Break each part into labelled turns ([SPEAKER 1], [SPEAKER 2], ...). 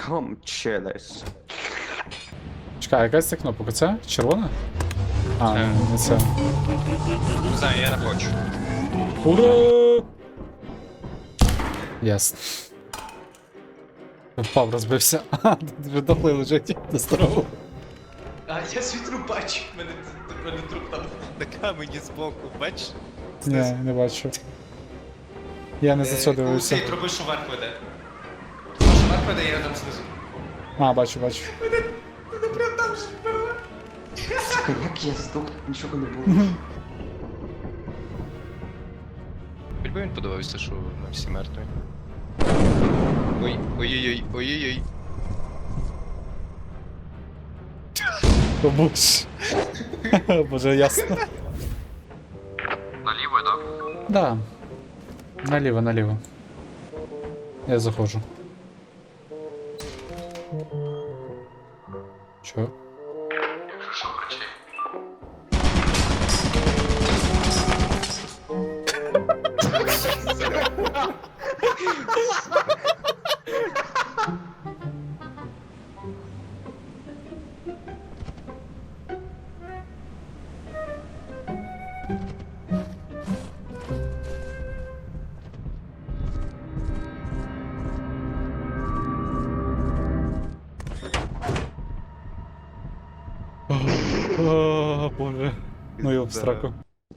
[SPEAKER 1] Come chillers.
[SPEAKER 2] Чекай, якась це кнопка? Це? Червона? А, не це.
[SPEAKER 3] Не знаю, я не хочу.
[SPEAKER 2] Ура! Ясно. Впав, розбився. А, вже дохлий лежить на старому.
[SPEAKER 3] А, я світру бачу, мене труп там на камені збоку, бачиш?
[SPEAKER 2] Ні, не бачу. Я не за це дивився.
[SPEAKER 3] Цей труби, що вверх веде. Труба, що вверх веде, я там знизу.
[SPEAKER 2] А, бачу, бачу.
[SPEAKER 1] Сука, як я здох, нічого не було.
[SPEAKER 3] Хоч би він подивився, що ми всі мертві. Ой, ой-ой-ой, ой-ой-ой.
[SPEAKER 2] О, боже. Боже, ясно.
[SPEAKER 3] Наліво, так?
[SPEAKER 2] Да. Наліво, наліво. Я заходжу. Чо?
[SPEAKER 3] Якщо що, кричи.
[SPEAKER 2] О, боже. Ну його в сраку.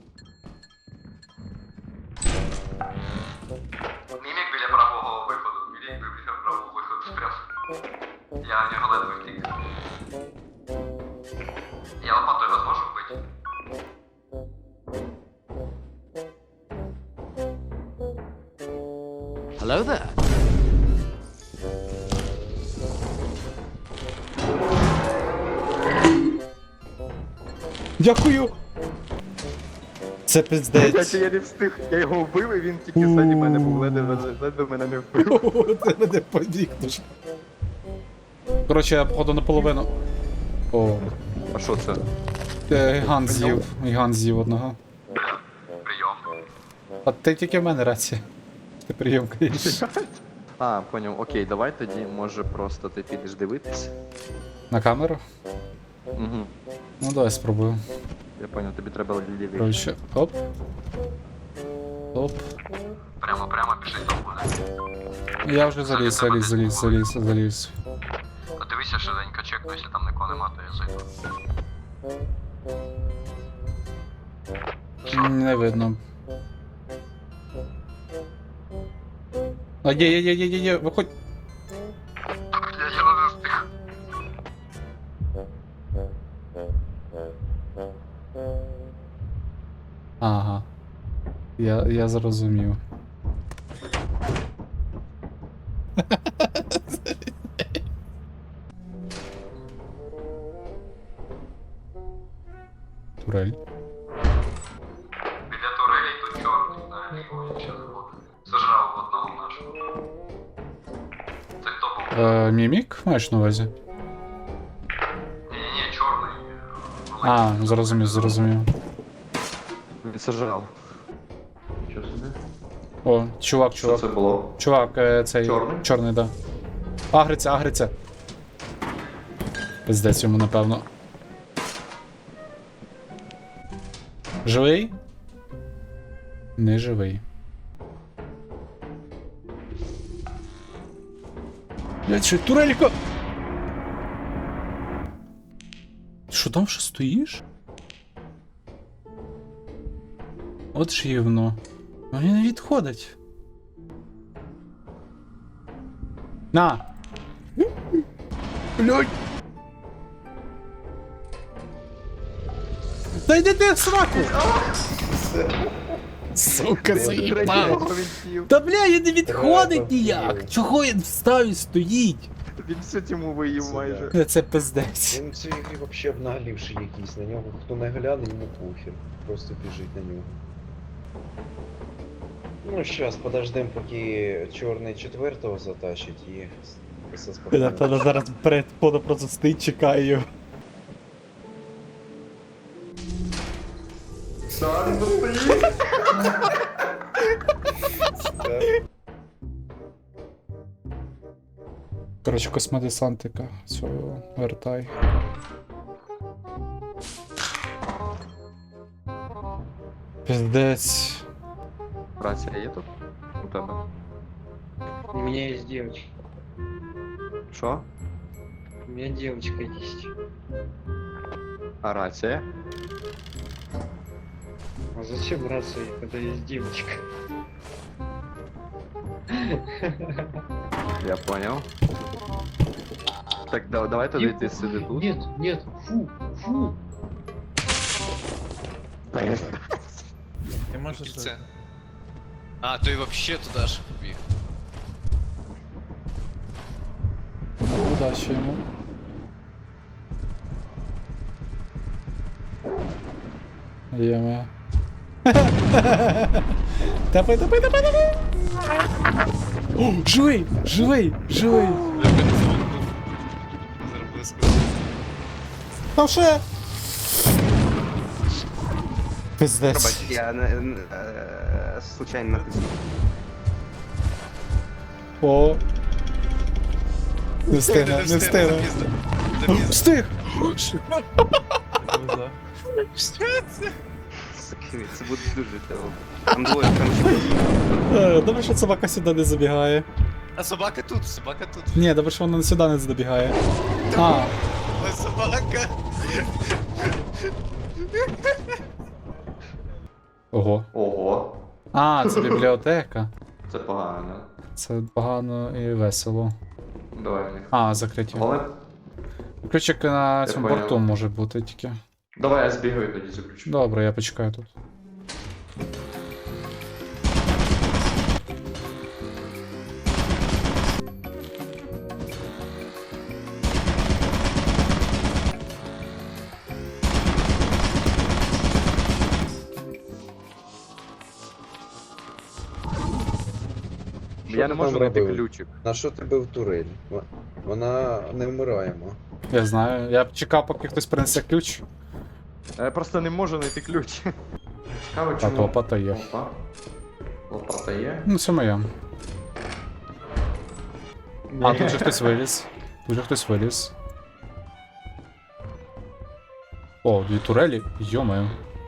[SPEAKER 3] Мімік біля правого виходу. Мімік біля правого виходу прям. Я в нього ледве втік. Я лопатою вас можу вбити?
[SPEAKER 1] Hello there.
[SPEAKER 2] Дякую! Це пиздець.
[SPEAKER 1] Я не встиг, я його вбив, і він тільки ззаді мене був, ледве мене не вбив.
[SPEAKER 2] Це мене побігнеш. Коротше, я походу наполовину. О,
[SPEAKER 1] А що це?
[SPEAKER 2] гігант з'їв. Гігант з'їв одного.
[SPEAKER 3] Прийом.
[SPEAKER 2] А ти тільки в мене рація. Ти прийом каєш.
[SPEAKER 1] А, поняв, окей, давай тоді, може просто ти підеш дивитись.
[SPEAKER 2] На камеру?
[SPEAKER 1] Угу.
[SPEAKER 2] Ну давай спробую.
[SPEAKER 1] Я поняв, тобі треба лівіше.
[SPEAKER 2] Коротше, оп. Оп.
[SPEAKER 3] Прямо біжить до мене.
[SPEAKER 2] Я вже заліз.
[SPEAKER 3] Подивися швиденько, чекну, якщо там нікого нема, то я зайду.
[SPEAKER 2] Не видно. А є, виходь.
[SPEAKER 3] Я не встиг.
[SPEAKER 2] Ага. Я зрозумів. Турель.
[SPEAKER 3] Біля турелі тут чорний, знаєш, якщо заходити. Сожрав одного нашого. Це хто був?
[SPEAKER 2] Мімік маєш на увазі?
[SPEAKER 3] Ні, чорний.
[SPEAKER 2] А, зрозумів.
[SPEAKER 1] Він сожрав. Що собі?
[SPEAKER 2] О, чувак.
[SPEAKER 1] Що це було?
[SPEAKER 2] Чувак, цей.
[SPEAKER 1] Чорний?
[SPEAKER 2] Чорний, да. Агриться. Пиздець йому, напевно. Живий? Не живий. Блять, що, турелько? Що там ще стоїш? От ж гівно. Вони не відходять. На! Блять! Та йди ти в сраку! Сука, заїбав! Та бля, він не відходить ніяк! Чого він встав і стоїть?
[SPEAKER 1] Він всю тьму виїв майже.
[SPEAKER 2] Це пиздець.
[SPEAKER 4] Він в цій грі вообще обнаглівший якийсь, на нього хто не гляне, йому похер. Просто біжить на нього. Ну, щас, подождем, поки чорний четвертого затащить і все спокійно.
[SPEAKER 2] Напевно, зараз перед подо просто стоїть, чекає його.
[SPEAKER 1] Сам стоїть.
[SPEAKER 2] коротше, космодесантика. Цього вертай. Пиздець.
[SPEAKER 1] Рація є тут? У тебе.
[SPEAKER 5] У меня есть девочка.
[SPEAKER 1] Що?
[SPEAKER 5] У меня девочка есть.
[SPEAKER 1] А рація?
[SPEAKER 5] А зачем рация, когда есть девочка?
[SPEAKER 1] Я понял. Так, давай тоді ти сиди тут.
[SPEAKER 5] Нет, нет, фу, фу.
[SPEAKER 6] Ти можеш
[SPEAKER 7] Це. А, то й вообще туди ж побіг.
[SPEAKER 2] Удачі йому. Єме. Тапай, тапай, тапай, тапай! О, живий! Живий! Живий!
[SPEAKER 7] Зробили скрутку.
[SPEAKER 2] Там ще! Пиздець.
[SPEAKER 1] Я случайно натиснув.
[SPEAKER 2] О! Не встигне, не встигне. Встиг!
[SPEAKER 1] Це буде дуже тело. Там двоє, там
[SPEAKER 2] Добре, що собака сюди не забігає.
[SPEAKER 7] А собака тут, собака тут.
[SPEAKER 2] Ні, добре, що вона сюди не забігає. А,
[SPEAKER 7] Ой, собака.
[SPEAKER 2] ого.
[SPEAKER 1] Ого.
[SPEAKER 2] А, це бібліотека.
[SPEAKER 1] Це погано.
[SPEAKER 2] Це погано і весело.
[SPEAKER 1] Давай.
[SPEAKER 2] А, закриті.
[SPEAKER 1] Але...
[SPEAKER 2] Ключик на цьому
[SPEAKER 1] поняв.
[SPEAKER 2] борту може бути тільки.
[SPEAKER 1] Давай я збігаю тоді заключу.
[SPEAKER 2] Добре, я почекаю тут.
[SPEAKER 1] Я не можу знайти ключик.
[SPEAKER 4] На що ти бив турель? Вона не вмираємо.
[SPEAKER 2] Я знаю. Я чекав, поки хтось принесе ключ.
[SPEAKER 1] Я просто не можу знайти ключ. Цікаво,
[SPEAKER 2] А
[SPEAKER 1] чому...
[SPEAKER 2] то лопата є.
[SPEAKER 1] Опа. Лопата є.
[SPEAKER 2] Ну, це моя. А, тут же хтось виліз. Тут же хтось виліз. О, дві турелі. Йо-моє.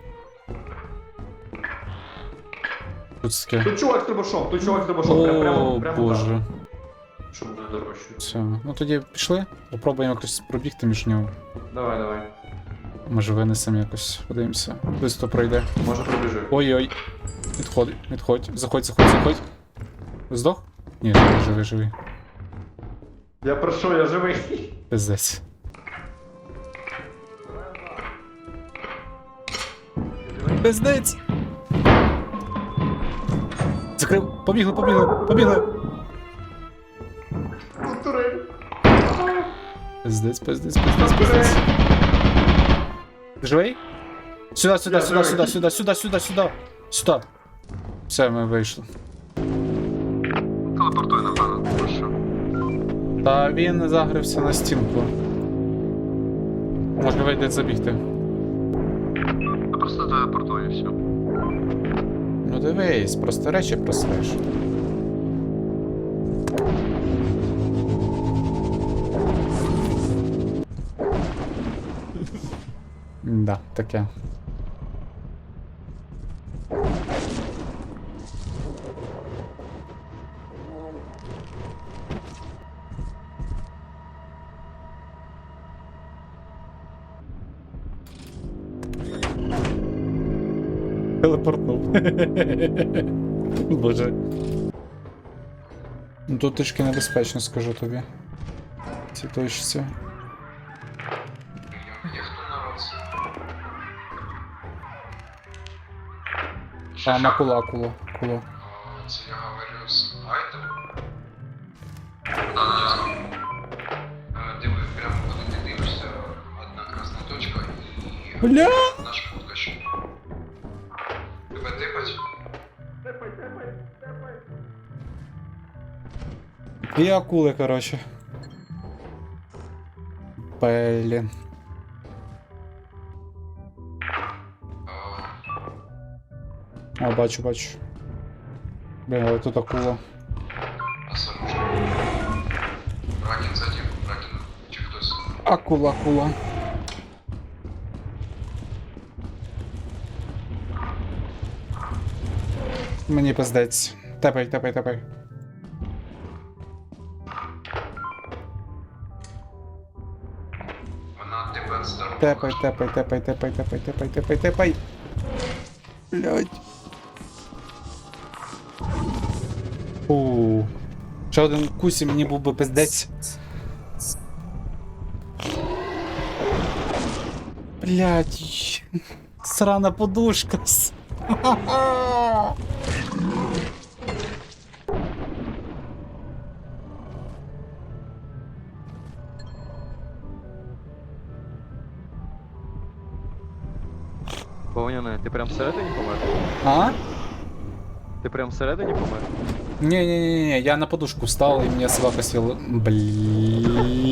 [SPEAKER 2] Тут таке.
[SPEAKER 1] Тут чувак з трубашом, тут чувак з трубашом.
[SPEAKER 2] О, боже.
[SPEAKER 1] Так. Щоб буде дорожче.
[SPEAKER 2] Все. Ну тоді пішли. Попробуємо якось пробігти між нього.
[SPEAKER 1] Давай, давай.
[SPEAKER 2] Може винесемо якось. Подивимося. Хтось то пройде.
[SPEAKER 1] Може пробіжи.
[SPEAKER 2] Ой-ой. Відходь, відходь. Заходь, заходь, заходь. Здох? Ні, живий, живий, живий.
[SPEAKER 1] Я прошу, я живий.
[SPEAKER 2] Пиздець. Пиздець! Закрив. Побігли, побігли, побігли! Пиздець, пиздець, пиздець, пиздець. Ти живий? Сюди, сюди, сюди, сюди, сюди, сюди, сюди, сюди. Сюди. Все, ми вийшли.
[SPEAKER 3] Телепортуй, напевно, тому що.
[SPEAKER 2] Та він загрився на стінку. Може вийде забігти.
[SPEAKER 3] Я просто телепортую і все.
[SPEAKER 2] Ну дивись, просто речі просреш. Да, таке. Телепортнув. Боже. Ну тут трішки небезпечно, скажу тобі. Ці точці. А, на куло.
[SPEAKER 3] Це я говорю з Айтом. Диви, прямо коли ти дивишся, одна красна точка і
[SPEAKER 2] Бля!
[SPEAKER 3] наш фоткач. Тебе типать?
[SPEAKER 2] Дві акули, короче. Блін. О, бачу, бачу. Блін, але тут акула.
[SPEAKER 3] А сам уже. Ранен за
[SPEAKER 2] Акула. Мені пиздець. Тепай.
[SPEAKER 3] Вона тебе здорова.
[SPEAKER 2] Тепай. Блядь. Ще один кусі, мені був би пиздець. Блядь. Срана подушка.
[SPEAKER 1] Повняне, ти прям всередині помер?
[SPEAKER 2] А?
[SPEAKER 1] Ти прям всередині помер?
[SPEAKER 2] Не, я на подушку встал, и мне собака съела. Блин.